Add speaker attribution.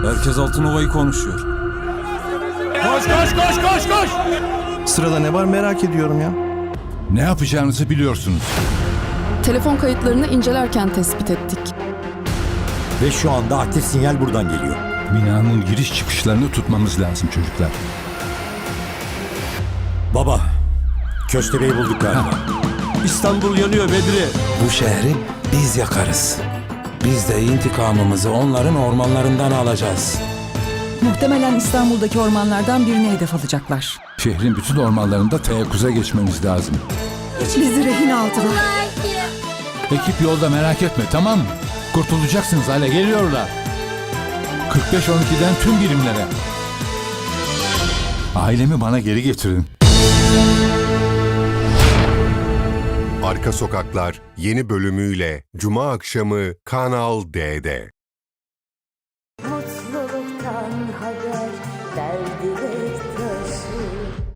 Speaker 1: Herkes Altınova'yı konuşuyor.
Speaker 2: Koş koş koş koş koş!
Speaker 3: Sırada ne var merak ediyorum ya.
Speaker 2: Ne yapacağınızı biliyorsunuz.
Speaker 4: Telefon kayıtlarını incelerken tespit ettik.
Speaker 5: Ve şu anda aktif sinyal buradan geliyor.
Speaker 2: Binanın giriş çıkışlarını tutmamız lazım çocuklar.
Speaker 5: Baba, Köstebeği bulduk galiba.
Speaker 1: İstanbul yanıyor Bedri.
Speaker 6: Bu şehri biz yakarız. Biz de intikamımızı onların ormanlarından alacağız.
Speaker 7: Muhtemelen İstanbul'daki ormanlardan birine hedef alacaklar.
Speaker 2: Şehrin bütün ormanlarında teyakkuza geçmemiz lazım.
Speaker 7: Bizi rehin aldılar.
Speaker 2: Ekip yolda, merak etme, tamam mı? Kurtulacaksınız, hale geliyorlar. 45-12'den tüm birimlere. Ailemi bana geri getirin.
Speaker 8: Arka Sokaklar yeni bölümüyle Cuma akşamı Kanal D'de.
Speaker 9: Mutluluktan haber, derdine taşı.